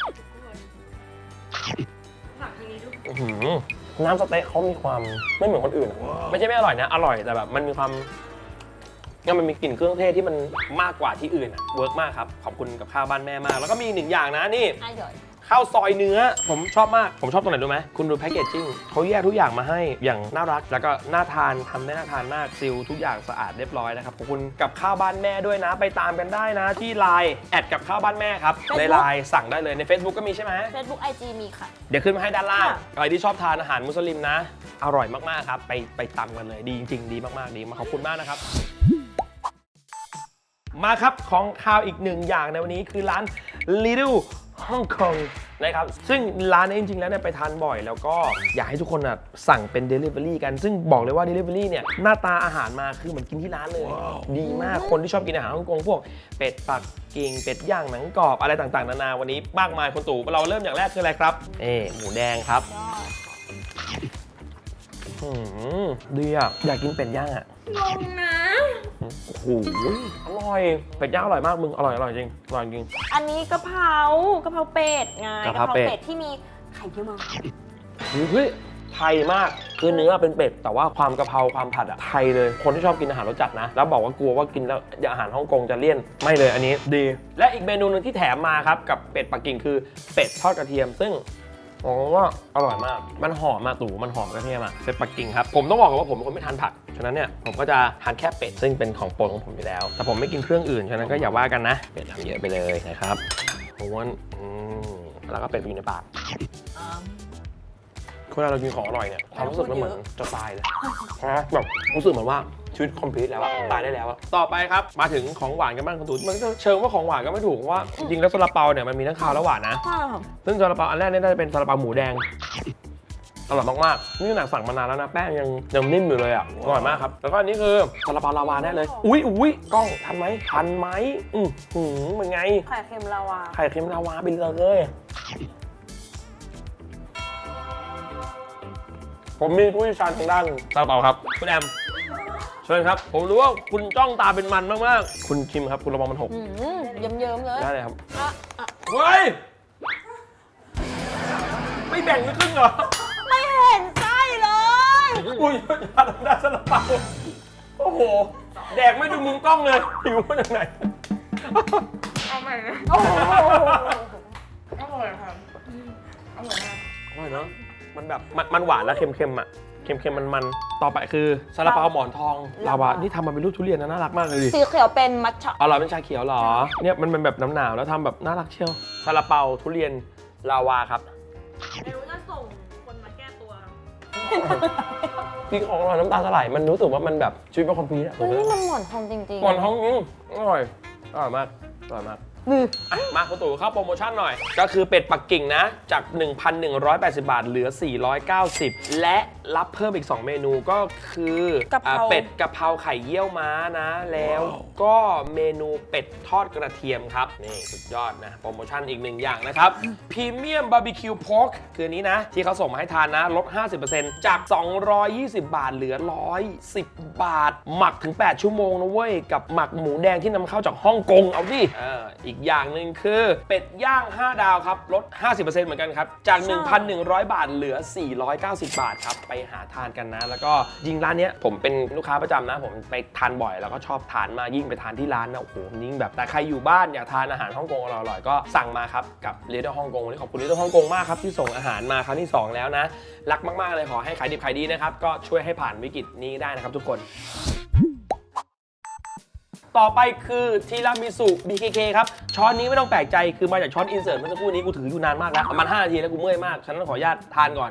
[SPEAKER 1] น้ำสเต๊กเขามีความไม่เหมือนคนอื่นอะไม่ใช่ไม่อร่อยนะอร่อยแต่แบบมันมีความงั้นมันมีกลิ่นเครื่องเทศที่มันมากกว่าที่อื่นอะเวิร์กมากครับขอบคุณกับข้าวบ้านแม่มากแล้วก็มีอีกหนึ่งอย่างนะนี่
[SPEAKER 2] อร่อย
[SPEAKER 1] ข้าวซอยเนื้อผมชอบมากผมชอบตรงไหนรู้ไหมคุณดูแพคเกจจิ้งเขาแยกทุกอย่างมาให้อย่างน่ารักแล้วก็น่าทานทำได้น่าทานมากซิลทุกอย่างสะอาดเรียบร้อยนะครับขอบคุณกับข้าวบ้านแม่ด้วยนะไปตามกันได้นะที่ Line แอดกับข้าวบ้านแม่ครับใน Line สั่งได้เลยใน Facebook ก็มีใช่ไหม
[SPEAKER 2] Facebook IG มีค่ะ
[SPEAKER 1] เดี๋ยวขึ้นมาให้ด้านล่าง
[SPEAKER 2] ค่ะ
[SPEAKER 1] ใครที่ชอบทานอาหารมุสลิมนะ อร่อยมากๆครับไปตำกันเลยดีจริงๆดีมากๆดีมาขอบคุณมากนะครับ มาครับของข้าวอีกหนึ่งอย่างในวันนี้คือร้าน Little Hong Kong นะครับซึ่งร้านนี้จริงๆแล้วเนี่ยไปทานบ่อยแล้วก็อยากให้ทุกคนนะสั่งเป็น Delivery กันซึ่งบอกเลยว่า Delivery เนี่ยหน้าตาอาหารมาคือเหมือนกินที่ร้านเลย ดีมากคนที่ชอบกินอาหารฮ่องกงพวกเป็ดปักกิ่งเป็ดย่างหนังกรอบอะไรต่างๆนานาวันนี้มากมายคนตู่เราเริ่มอย่างแรกคืออะไรครับหมูแดงครับดีอ่ะอยากกินเป็ดย่างอ่ะ
[SPEAKER 2] ลงนะ
[SPEAKER 1] โอ้โหอร่อยเป็ดย่างอร่อยมากมึงอร่อยจริงอร่อยจริง
[SPEAKER 2] อันนี้กะเพรากะเพราเป็ดไง
[SPEAKER 1] กะเพราเป็ด
[SPEAKER 2] ที่มีไข่เยี่ยวมา
[SPEAKER 1] เฮ้ยไทยมากคือเนื้อเป็นเป็ดแต่ว่าความกะเพราความผัดอะไทยเลยคนที่ชอบกินอาหารรสจัดนะแล้วบอกว่ากลัวว่ากินแล้วอาหารฮ่องกงจะเลี่ยนไม่เลยอันนี้ดีและอีกเมนูหนึงที่แถมมาครับกับเป็ดปักกิ่งคือเป็ดทอดกระเทียมซึ่งว่าอร่อยมากมันหอมมาตู่มันหอมกระเทียมอะเป็ดปักกิ่งครับผมต้องบอกก่อนว่าผมเป็นคนไม่ทานผักฉะนั้นเนี่ยผมก็จะทานแค่เป็ดซึ่งเป็นของโปรดของผมอยู่แล้วแต่ผมไม่กินเครื่องอื่นฉะนั้นก็อย่าว่ากันนะเป็ดทำเยอะไปเลยนะครับม้วนแล้วก็เป็ดไปอยู่ในปากเวลาเรากินของอร่อยเนี่ยความรู้สึกมันเหมือนจะตายเลยนะแบบรู้สึกเหมือนว่าชีวิตคอมพลีทแล้วอะตายได้แล้วอะต่อไปครับมาถึงของหวานกันบ้างคุณตูนมันก็เชิงว่าของหวานก็ไม่ถูกว่าจริงแล้วซาลาเปาเนี่ยมันมีทั้งคาวและหวานนะ
[SPEAKER 2] ใช่ค่ะ
[SPEAKER 1] ซึ่งซาลาเปาอันแรกเนี่ยน่าจะเป็นซาลาเปาหมูแดงอร่อยมากๆนี่ขนาดสั่งมานานแล้วนะแป้งยังนิ่มอยู่เลยอ่ะอร่อยมากครับแล้วก็อันนี้คือซาลาเปาลาวาแน่เลยอุ้ยกล้องทันไหมเป็นไง
[SPEAKER 2] ไข่เค็มลาวา
[SPEAKER 1] ไข่เค็มลาวาไปเลย ผมมีผู้เชี่ยวชาญทางด้านซาลาเปาครับคุณแอมเชิญครับผมรู้ว่าคุณจ้องตาเป็นมันมากๆคุณชิมครับคุณระวังมันหก
[SPEAKER 2] เยิ้มๆเลย
[SPEAKER 1] ได้เลยครับ
[SPEAKER 2] อ่ะ
[SPEAKER 1] เฮ้ยไม่แบ่งไม่ครึ่งเหรอ
[SPEAKER 2] ไม่เห็นไส้เลย
[SPEAKER 1] อุ้ยทานได้ซาลาเปาโอ้โหแดกไม่ดูมุมกล้องเลยหิวมาจากไหน
[SPEAKER 2] เอาใหม่เลย
[SPEAKER 1] อร่อยครับอร่อยเนาะมันแบบมันหวานแล้วเค็มๆอ่ะเค็มๆมันต่อไปคือซาลาเปาหมอนทองลาวานี่ทำมาเป็นรูปทุเรียนนะน่ารักมากเลยดิ
[SPEAKER 2] สีเขียวเป็นมัทฉะ
[SPEAKER 1] อร่อยเป็นชาเขียวเหรอเนี่ยมันเป็นแบบน้ำหนาวแล้วทำแบบน่ารักเชียวซาลาเปาทุเรียนลาวาครับ
[SPEAKER 2] ไม่รู้จะส่งคนมาแก้ตัว
[SPEAKER 1] กินของอร่อยน้ำตาสลายมันรู้สึกว่ามันแบบชีวิตเป็นคอมพลีทอะ
[SPEAKER 2] นี่มันหมอนทองจริงๆ
[SPEAKER 1] หมอนทองอร่อยมากอร่อยมากมาคุณตู่เข้าโปรโมชั่นหน่อยก็คือเป็ดปักกิ่งนะจาก 1,180 บาทเหลือ 490 และรับเพิ่มอีก 2 เมนูก็คือก
[SPEAKER 2] ะเพรา
[SPEAKER 1] เป็ดกะเพราไข่เยี่ยวม้านะแล้วก็เมนูเป็ดทอดกระเทียมครับนี่สุดยอดนะโปรโมชั่นอีก 1 อย่างนะครับพรีเมียมบาร์บีคิวพอร์กคืออันนี้นะที่เขาส่งมาให้ทานนะลด 50% จาก 220 บาทเหลือ 110 บาท หมักถึง 8 ชั่วโมงนะเว้ยกับหมักหมูแดงที่นำเข้าจากฮ่องกงเอาดิอีกอย่างหนึ่งคือเป็ดย่าง 5 ดาวครับลด 50% เหมือนกันครับจาก 1,100 บาทเหลือ 490 บาทครับไปหาทานกันนะ แล้วก็ยิงร้านเนี้ยผมเป็นลูกค้าประจำนะผมไปทานบ่อยแล้วก็ชอบทานมากยิ่งไปทานที่ร้านนะโอ้โหยิ่งแบบแต่ใครอยู่บ้านอยากทานอาหารฮ่องกงอร่อยๆก็สั่งมาครับกับ Little ฮ่องกงวันนี้ขอบคุณ Little ฮ่องกงมากครับที่ส่งอาหารมาครั้งที่ 2 แล้วนะรักมากๆเลยขอให้ขายดิบขายดีนะครับก็ช่วยให้ผ่านวิกฤตนี้ได้นะครับทุกคนต่อไปคือทีรามิสุ BKK ครับช้อนนี้ไม่ต้องแปลกใจคือมาจากช้อนอินเสิร์ตเมื่อสักครู่นี้กูถืออยู่นานมากแล้วประมาณ5 นาทีแล้วกูเมื่อยมากฉะนั้นขออนุญาตทานก่อน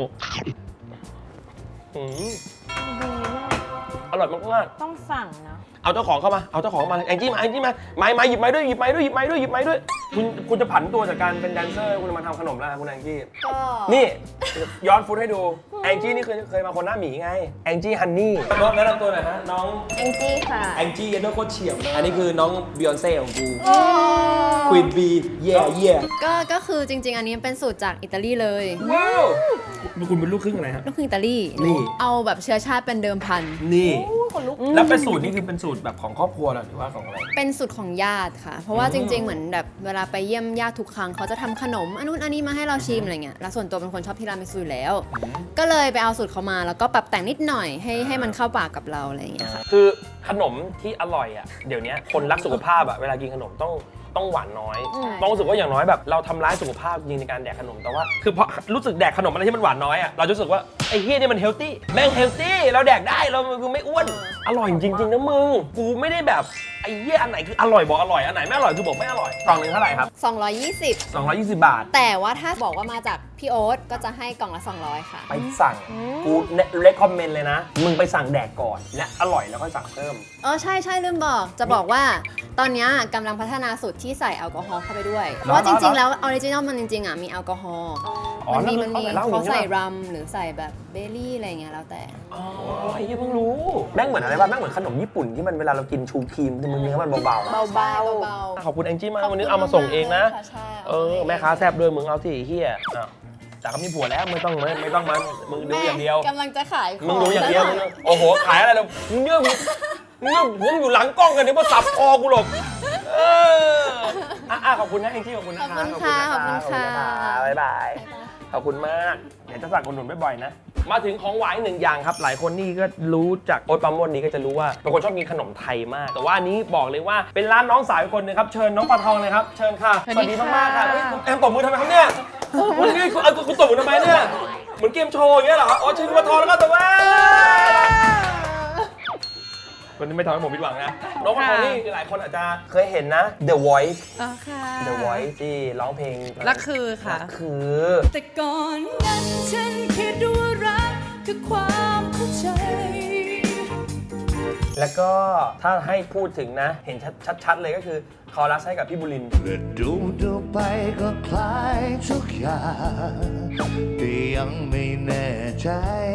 [SPEAKER 1] อร่อยมาก
[SPEAKER 2] ต้องสั่งนะ
[SPEAKER 1] ๆเอาเจ้าของเข้ามาเอาเจ้าของมาแองจี้มาไม้หยิบไม้ด้วยคุณจะผันตัวจากการเป็นแดนเซอร์คุณมาทำขนมแล้วคุณแองจี้
[SPEAKER 5] ก็
[SPEAKER 1] นี่ย้อนฟุตให้ดูแองจี้นี่เคยมาคนหน้าหมีไงแองจี้ฮันนี่น้องแนะนำตัวหน่อยฮะน้อง
[SPEAKER 5] แองจี้ค่ะ
[SPEAKER 1] แองจี้ยันโดโคตรเฉียบอันนี้คือน้องบิยอนเซ่ของกูควีนบีเย่
[SPEAKER 5] ก็คือจริง ๆ อันนี้เป็นสูตรจากอิตาลีเลย
[SPEAKER 1] ว้าวคุณเป็นลูกครึ่งอะไรฮะ
[SPEAKER 5] ลูกครึ่งอิตาลี
[SPEAKER 1] นี่
[SPEAKER 5] เอาแบบเชื้อชาติเป็นเดิมพัน
[SPEAKER 1] นี่
[SPEAKER 2] คนลุก
[SPEAKER 1] แล้วเป็นสูตรนี่คือเป็นสูตรแบบของครอบครัวเหรอหรือว่าของอะไร
[SPEAKER 5] เป็นสูตรของญาติค่ะ เพราะว่าจริง ๆ เหมือนแบบเวลาไปเยี่ยมญาติทุกครั้งเขาจะทำขนมอันนู้นอันนี้มาให้เราชิมอะไรเงี้ยแล้วส่วนตัวเป็นคนชอบทีรามิสุอยู่แล้ว ก็เลยไปเอาสูตรเขามาแล้วก็ปรับแต่งนิดหน่อยให้มันเข้าปากกับเราอะไรอย่างเงี้ยค่ะ
[SPEAKER 1] คือขนมที่อร่อยอ่ะเดี๋ยวนี้คนรักสุขภาพอ่ะเวลากินขนมต้องต้องหวานน้อย
[SPEAKER 2] อืม
[SPEAKER 1] ต้องรู้สึกว่าอย่างน้อยแบบเราทำร้ายสุขภาพจริงในการแดกขนมแต่ว่าคือพอรู้สึกแดกขนมอะไรที่มันหวานน้อยอ่ะเราจะรู้สึกว่าไอ้เฮียนี่มันเฮลตี้แม่งเฮลตี้เราแดกได้เราคือไม่อ้วนอร่อยจริงๆนะมึงกูไม่ได้แบบไอ้เหี้ยอันไหนคืออร่อยบอกอร่อยอันไหนไม่อร่อยคือบอกไม่อร่อยกล่องนึงเท่าไหร่ครับ
[SPEAKER 5] 220
[SPEAKER 1] 220 บาท
[SPEAKER 5] แต่ว่าถ้าบอกว่ามาจากพี่โอ๊ตก็จะให้กล่องละ 200 ค่ะ
[SPEAKER 1] ไปสั่งกูเรคคอมเมนต์เลยนะมึงไปสั่งแดกก่อนและอร่อยแล้วก็สั่งเพิ่ม
[SPEAKER 5] ใช่ลืมบอกจะบอกว่าตอนนี้กำลังพัฒนาสูตรที่ใส่แอลกอฮอล์เข้าไปด้วย เพราะว่าจริงๆแล้วออริจินอลมันจริงๆมีแอลกอฮอล์
[SPEAKER 1] อ๋อ
[SPEAKER 5] มันมี
[SPEAKER 1] แล้วคือเขาใส่เหล้าอย่างนี้
[SPEAKER 5] เขาใส่
[SPEAKER 1] ใช่ปะ
[SPEAKER 5] รัมหรือใส่แบบเบลลี่อะไรเงี้ยแล้วแต่
[SPEAKER 1] อ๋อไอ้เหี้ยเพิ่งรู้แม่งเหมือนอะไรบ้างแม่งเหมือนขนมญี่ปุ่นที่มันเวลาเรากินชูครีมที่มันเนื้อมันเบา
[SPEAKER 2] เบา
[SPEAKER 1] ๆขอบคุณแองจี้มากวันนี้เอามาส่งเองนะ
[SPEAKER 5] ใช่
[SPEAKER 1] แม่ค้าแซ่บด้วยมึงเอาที่ไอ้เฮียอ้าวจากก็มีผัวแล้วไม่ต้องมันมึงดูอย่างเดียว
[SPEAKER 5] กำลังจะขาย
[SPEAKER 1] มึงดูอย่างเดียวมึงโอ้โหขายอะไรเรามึงเยอะมึงหัวมึงอยู่หลังกล้องกันเดี๋ยวมาสับคอกูหรอกขอบคุณนะแองจี้ขอบคุณนะ
[SPEAKER 5] ขอบคุณค่ะขอบคุณค่ะ
[SPEAKER 1] บ๊ายบายขอบคุณมากเดี๋ยวจะสั่งคนหนุนบ่อยๆนะมาถึงของหวานอีกหนึ่งอย่างครับหลายคนนี่ก็รู้จากโอ๊ตปราโมชนี้ก็จะรู้ว่าเป็นคนชอบกินขนมไทยมากแต่ว่าอันนี้บอกเลยว่าเป็นร้านน้องสาวอีกคนนึงครับเชิญน้องปลาทองเลยครับเชิญค่ะสวัสดีมากๆค่ะคุณแอมตบมือทำไมครับเนี่ยวันนี้คุณตบมือทำไมเนี่ยเหมือนเกมโชว์อย่างเงี้ยเหรออ๋อเชิญคุณปลาทองแล้วก็แต่ว่าคนนี้ไม่ทำให้ผมผิดหวังนะน้องปลาทองนี่หลายคนอาจจะเคยเห็นนะ The Voice
[SPEAKER 6] อ๋อค่ะ
[SPEAKER 1] The Voice ที่ร้องเพลง
[SPEAKER 6] รักคือค่ะ
[SPEAKER 1] รักคือ
[SPEAKER 6] แต่ก่อนนั้นฉันคิดว่ารักคือความเข้าใจ
[SPEAKER 1] แล้วก็ถ้าให้พูดถึงนะเห็นชัดๆเลยก็คือคอรัสให้กับพี่บุรินทร์
[SPEAKER 7] และดูไปก็คล้ายทุกอย่างแต่ยังไม่แน่ใจ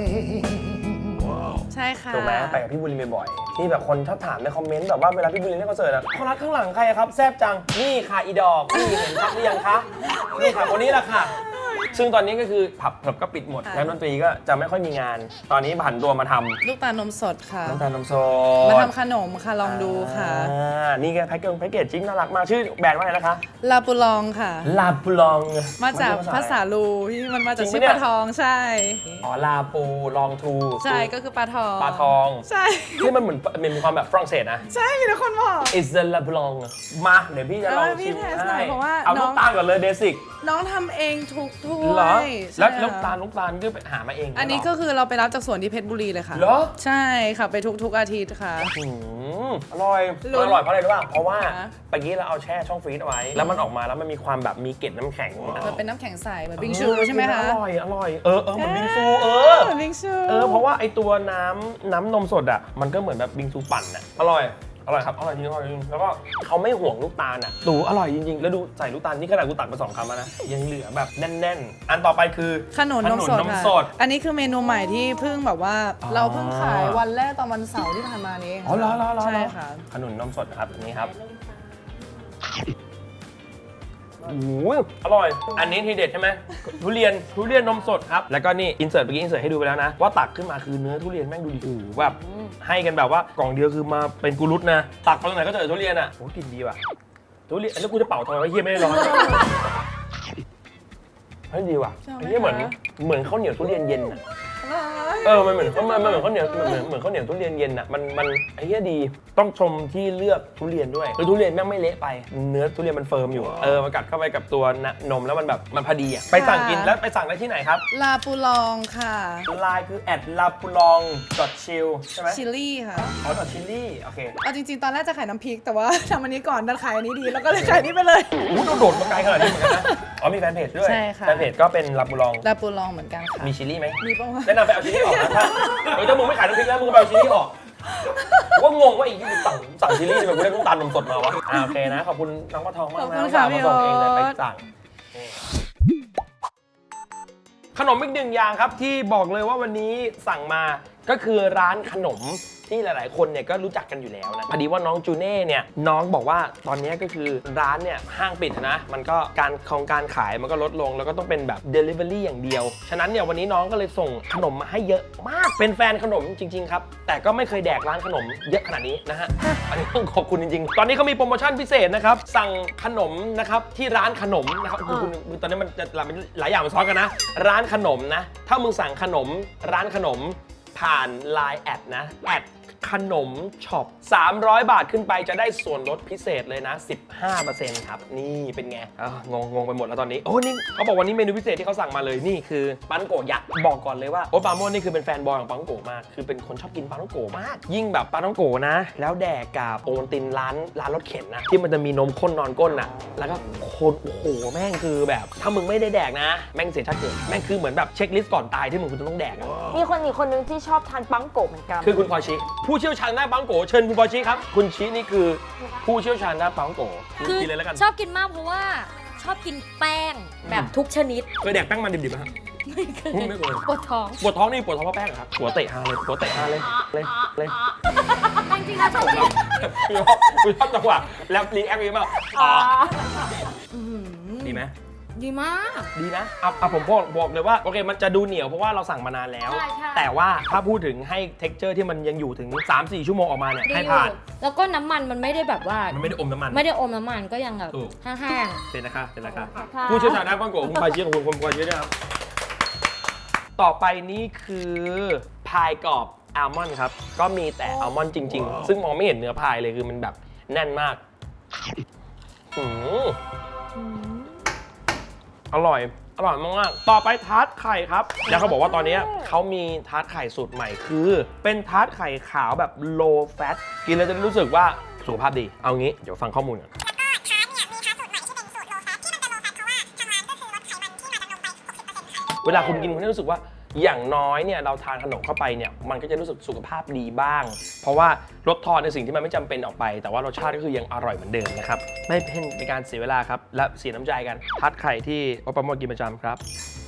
[SPEAKER 6] ใช่ค่ะ
[SPEAKER 1] ถูกไหมไปกับพี่บุรินทร์บ่อยๆที่แบบคนชอบถามในคอมเมนต์แบบว่าเวลาพี่บุรินทร์เล่นคอนเสิร์ตอะคอรัสข้างหลังใครอะครับแซบจังนี่ค่ะอีดอกนี่เห็นชัดหรือยังคะนี่ค่ะคนนี้แหละค่ะ ซึ่งตอนนี้ก็คือผับเพิบก็ปิดหมดแล้วดนตรีก็จะไม่ค่อยมีงาน ตอนนี้ผันตัวมาทำ
[SPEAKER 6] ลูกตาลนมสดค่ะ
[SPEAKER 1] น้ำตาลนมส
[SPEAKER 6] มา
[SPEAKER 1] ด
[SPEAKER 6] ทำขนมค่ะ ลองดูค่ะ
[SPEAKER 1] นี่ไงแพ็กเกจจิ้งน่ารักมากชื่อแบรนด์ว่าไงนะคะ
[SPEAKER 6] ลาปูลองค่ะ
[SPEAKER 1] ลาปูลอง
[SPEAKER 6] มาจากภาษาลูที่มันมาจากชื่อปลาทองใช่
[SPEAKER 1] อ๋อลาปูลองทู
[SPEAKER 6] ใช่ก็คือปลาทอง
[SPEAKER 1] ปลาทอง
[SPEAKER 6] ใช่
[SPEAKER 1] ที่มันเหมือนมีความแบบฝรั่งเศสนะ
[SPEAKER 6] ใช่มีแต่คนบอก
[SPEAKER 1] Is the la blanc มาเดี๋ยวพี่จะลอง
[SPEAKER 6] พี่
[SPEAKER 1] ชิม
[SPEAKER 6] เทสหน่อยเพราะว่า
[SPEAKER 1] เอา
[SPEAKER 6] น้
[SPEAKER 1] ลู
[SPEAKER 6] อก ง
[SPEAKER 1] ตาลก่อนเลยเบสิก
[SPEAKER 6] น้องทำเองทุกถ้วย
[SPEAKER 1] เหรอ
[SPEAKER 6] ใช่
[SPEAKER 1] แล้ว
[SPEAKER 6] ค่ะ
[SPEAKER 1] ลูกตาลก็ไปหามาเอง
[SPEAKER 6] อันนี้ก็คือเราไปรับจากสวนที่เพชรบุรีเลยค่ะ
[SPEAKER 1] เหรอ
[SPEAKER 6] ใช่ค่ะไปทุกอาทิตย์ค่ะ
[SPEAKER 1] อร่อย
[SPEAKER 6] ลุ้น
[SPEAKER 1] อร่อยเพราะอะไรรู้ป่ะเพราะว่า
[SPEAKER 6] คะ
[SPEAKER 1] เมื่อกี้เราเอาแช่ช่องฟรีซเอาไว้ แล้วมันออกมาแล้วมันมีความแบบมีเกล็ดน้ำแข็ง
[SPEAKER 6] มันเป็นน้ำแข็งใสเหมือนบิงชูใช่ไหมคะ
[SPEAKER 1] อร่อยเหมือนบิงซู
[SPEAKER 6] เหมือนบิงชู
[SPEAKER 1] เพราะว่าไอตัวน้ำนมสดอ่ะมันก็เหมือนแบบบิงซูปั่นอ่ะอร่อยครับอร่อยจริงแล้วก็เขาไม่ห่วงลูกตาลอ่ะดูอร่อยจริงๆแล้วดูใส่ลูกตาลนี่ขนาดกูตักไป2 คำแล้วนะยังเหลือแบบแน่นๆอันต่อไปคือ
[SPEAKER 6] ขนุนนมสด
[SPEAKER 1] นม
[SPEAKER 6] ค่ะ
[SPEAKER 1] สด
[SPEAKER 6] อันนี้คือเมนูใหม่ที่เพิ่งแบบว่า
[SPEAKER 1] อ๋อ
[SPEAKER 6] เราเพิ่งขายวันแรกตอนวันเสาร์ที่ผ่านมานี้เอง
[SPEAKER 1] อ๋อเหรอ
[SPEAKER 6] ใช่ค่ะ
[SPEAKER 1] ขนุนนมสดนะครับอันนี้ครับโอ้โหอร่อย อันนี้ทีเด็ดใช่ไหมทุเรียนนมสดครับแล้วก็นี่อินเสิร์ตเมื่อกี้อินเสิร์ตให้ดูไปแล้วนะว่าตักขึ้นมาคือเนื้อทุเรียนแม่งดูดีโอ้โหแบบให้กันแบบว่ากล่องเดียวคือมาเป็นกุรุตนะตักไปตรงไหนก็เจอทุเรียนอ่ะโอ้กลิ่นดีว่ะทุเรียนแล้วกูจะเป่าทำไมวะเฮียไม่ได้ร้อนเฮ้ยดีว่ะ
[SPEAKER 6] ชอบไหม
[SPEAKER 1] อันนี้เหมือน
[SPEAKER 6] คะ
[SPEAKER 1] ข้าวเหนียวทุเรียนเย็นอ่ะมันเหมือนข้าวเหนียวเหมือนข้าวเหนียวทุเรียนเย็นอ่ะมันไอ้เหี้ยดีต้องชมที่เลือกทุเรียนด้วยคือทุเรียนแม่งไม่เละไปเนื้อทุเรียนมันเฟิร์มอยู่มันกัดเข้าไปกับตัวนมแล้วมันแบบมันพอดีอ่ะไปสั่งกินแล้วไปสั่งได้ที่ไหนครับ
[SPEAKER 6] ลาปูลองค่ะ
[SPEAKER 1] ไลน์คือ@lapulong.chill ใช่ไหม
[SPEAKER 6] ชิลลี่ค่ะ
[SPEAKER 1] อ๋อ.chilli โอเค
[SPEAKER 6] เอาจริงๆ ตอนแรกจะขายน้ำพริก แต่ว่า ทำอันนี้ก่อนดันขายอันนี้ดี แล้วก็เลยขายนี้ไปเลย
[SPEAKER 1] อู้โดดมาไกลขนาดนี้เหมือนกันนะอ๋อมีแฟนเพจด้วย
[SPEAKER 6] ใช่ค่ะ
[SPEAKER 1] แฟนเพจก็เป็นลาปูลอง
[SPEAKER 6] ลาปูลองเหมือนกันค่ะ
[SPEAKER 1] มีชิลลี่ไหม
[SPEAKER 6] มีปะวะ
[SPEAKER 1] แนะนำไปเอาชิลลี่ออกนะถ้ามึงไม่ขายน้ำพริกแล้วมึงไปเอาชิลลี่ออกว่างงว่าอีกที่สั่งชิลลี่ทำไมกูได้น้ำตาลนมสดมาวะโอเคนะขอบคุณน้องปลาทองมาก
[SPEAKER 6] ขอบ
[SPEAKER 1] นะ
[SPEAKER 6] คุณค่ะ
[SPEAKER 1] มาส่งเองเลย
[SPEAKER 6] พี่
[SPEAKER 1] ไป
[SPEAKER 6] โอ๊ต
[SPEAKER 1] สั่งขนมอีกหนึ่งอย่างครับที่บอกเลยว่าวันนี้สั่งมาก็คือร้านขนมที่หลายๆคนเนี่ยก็รู้จักกันอยู่แล้วนะพอดีว่าน้องจูเน่เนี่ยน้องบอกว่าตอนนี้ก็คือร้านเนี่ยห้างปิดนะมันก็การขายมันก็ลดลงแล้วก็ต้องเป็นแบบ Delivery อย่างเดียวฉะนั้นเนี่ยวันนี้น้องก็เลยส่งขนมมาให้เยอะมากเป็นแฟนขนมจริงๆครับแต่ก็ไม่เคยแดกร้านขนมเยอะขนาดนี้นะฮะอันนี้ต้องขอบคุณจริงๆตอนนี้เขามีโปรโมชั่นพิเศษนะครับสั่งขนมนะครับที่ร้านขนมนะครับคุณตอนนี้มันจะหลายอย่างมันซ้อนกันนะร้านขนมนะถ้ามึงสั่งขนมร้านขนมผ่าน Line แอดนะขนมช็อป300 บาทขึ้นไปจะได้ส่วนลดพิเศษเลยนะ 15% ครับนี่เป็นไงงงไปหมดแล้วตอนนี้โอ้นี่เขาบอกวันนี้เมนูพิเศษที่เขาสั่งมาเลยนี่คือปาท่องโกะยักษ์บอกก่อนเลยว่าโอ๊ตปราโมชนี่คือเป็นแฟนบอยของปาท่องโกะมากคือเป็นคนชอบกินปาท่องโกะมากยิ่งแบบปาท่องโกะนะแล้วแดกกับโอวัลตินร้านรถเข็นนะที่มันจะมีนมข้นนอนก้นน่ะแล้วก็คนโอ้โหแม่งคือแบบถ้ามึงไม่ได้แดกนะแม่งเสียชาติเกิดแม่งคือเหมือนแบบเช็คลิสต์ก่อนตายที่มึงคุณต้องแดกอะ
[SPEAKER 2] มีคนอีกคนนึงที่ชอบทานปังโกะเหมือนกัน
[SPEAKER 1] คือคุณพอชิผู้เชี่ยวชาญด้านปังโกะเชิญคุณพอชิครับคุณชินี่คือผู้เชี่ยวชาญด้านปังโกะ
[SPEAKER 8] คือ
[SPEAKER 1] กินเลยแล้วกัน
[SPEAKER 8] ชอบกินมากเพราะว่าชอบกินแป้งแบบทุกชนิด
[SPEAKER 1] เคยแดกแป้งมันดิบๆไหมครับ
[SPEAKER 8] ไม่เคย
[SPEAKER 1] ไม่เคย
[SPEAKER 8] ปวดท้อง
[SPEAKER 1] ปวดท้องนี่ปวดท้องเพราะแป้งเหรอครับหัวเตะฮาเลยหัวเตะฮาเลยเลย
[SPEAKER 8] จริงๆแล้วชอบกิน
[SPEAKER 1] คุณชอบจังหวะแล้วรีแอคดีมากดีไหม
[SPEAKER 8] ดีมาก
[SPEAKER 1] ดีนะผมบอกเลยว่าโอเคมันจะดูเหนียวเพราะว่าเราสั่งมานานแล้ว
[SPEAKER 8] ใช่ใช่
[SPEAKER 1] แต่ว่าถ้าพูดถึงให้ texture ที่มันยังอยู่ถึง 3-4 ชั่วโมงออกมาเนี่ย
[SPEAKER 8] ดี
[SPEAKER 1] ให้
[SPEAKER 8] อยู่
[SPEAKER 1] ผ่าน
[SPEAKER 8] แล้วก็น้ำมันมันไม่ได้แบบว่า
[SPEAKER 1] มันไม่ได้อมน้ำมัน
[SPEAKER 8] ไม่ได้อมน้ำมันก็ยังแบบ
[SPEAKER 1] ถูก
[SPEAKER 8] แห้ง
[SPEAKER 1] เสร็จนะคะเสร็จแล้วครับ
[SPEAKER 2] ค่ะ
[SPEAKER 1] ผู้เชี่ยวชาญด้านปังโกะคุณพายเชียของคุณพายเชียด้วยครับ ต่อไปนี่คือพายกรอบอัลมอนด์ครับ ก็มีแต่อัลมอนด์จริง ๆ ซึ่งมองไม่เห็นเนื้อพายเลยคือมันแบบแน่นมากอร่อยมากๆต่อไปทาร์ตไข่ครับ แล้วเขาบอกว่าตอนนี้เขามีทาร์ตไข่สูตรใหม่คือ เป็นทาร์ตไข่ขาวแบบ low fat กินแล้วจะได้รู้สึกว่าสุขภาพดี เอางี้เดี๋ยวฟังข้อมูลก่อน เวลาคุณกินคุณจะรู้สึกว่าอย่างน้อยเนี่ยเราทานขนมเข้าไปเนี่ยมันก็จะรู้สึกสุขภาพดีบ้าง เพราะว่าลดทอนในสิ่งที่มันไม่จำเป็นออกไป แต่ว่ารสชาติก็คือยังอร่อยเหมือนเดิมนะครับไม่เป็นการเสียเวลาครับและเสียน้ำใจกันทัดไข่ที่โอปาโมกินประจำครับ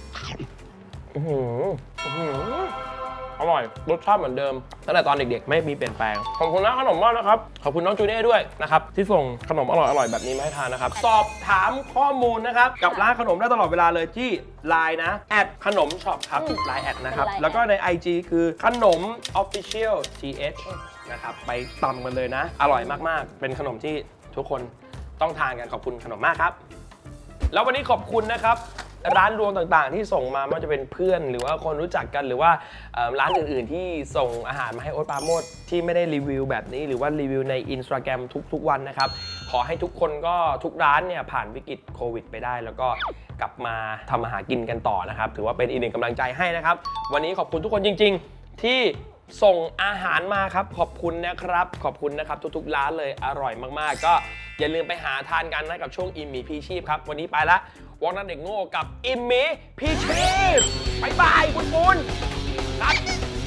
[SPEAKER 1] อร่อยรสชาติเหมือนเดิมตั้งแต่ตอนเด็กๆไม่มีเปลี่ยนแปลงขอบคุณนะขนมมากนะครับขอบคุณน้องจูเน่ด้วยนะครับที่ส่งขนมอร่อยๆแบบนี้มาให้ทานนะครับสอบถามข้อมูลนะครับกับร้านขนมได้ตลอดเวลาเลยที่ Line นะขนมช็อปครับ Line นะครับแล้วก็ใน IG คือขนม Official TH นะครับไปตำกันเลยนะอร่อยมากๆเป็นขนมที่ทุกคนต้องทานกันขอบคุณขนมมากครับแล้ววันนี้ขอบคุณนะครับร้านรวงต่างๆที่ส่งมาไม่ว่าจะเป็นเพื่อนหรือว่าคนรู้จักกันหรือว่าร้านอื่นๆที่ส่งอาหารมาให้โอ๊ตปราโมชที่ไม่ได้รีวิวแบบนี้หรือว่ารีวิวใน Instagram ทุกๆวันนะครับขอให้ทุกคนก็ทุกร้านเนี่ยผ่านวิกฤตโควิดไปได้แล้วก็กลับมาทำอาหารกินกันต่อนะครับถือว่าเป็นอีกหนึ่งกำลังใจให้นะครับวันนี้ขอบคุณทุกคนจริงๆที่ส่งอาหารมาครับขอบคุณนะครับขอบคุณนะครับทุกๆร้านเลยอร่อยมากๆก็อย่าลืมไปหาทานกันนะกับช่วงอิ่มหมีพีชีพครับวันนี้ไปละวอกนัทเด็กโง่กับอิมมี่พีชีพบ๊ายบายคุณครับ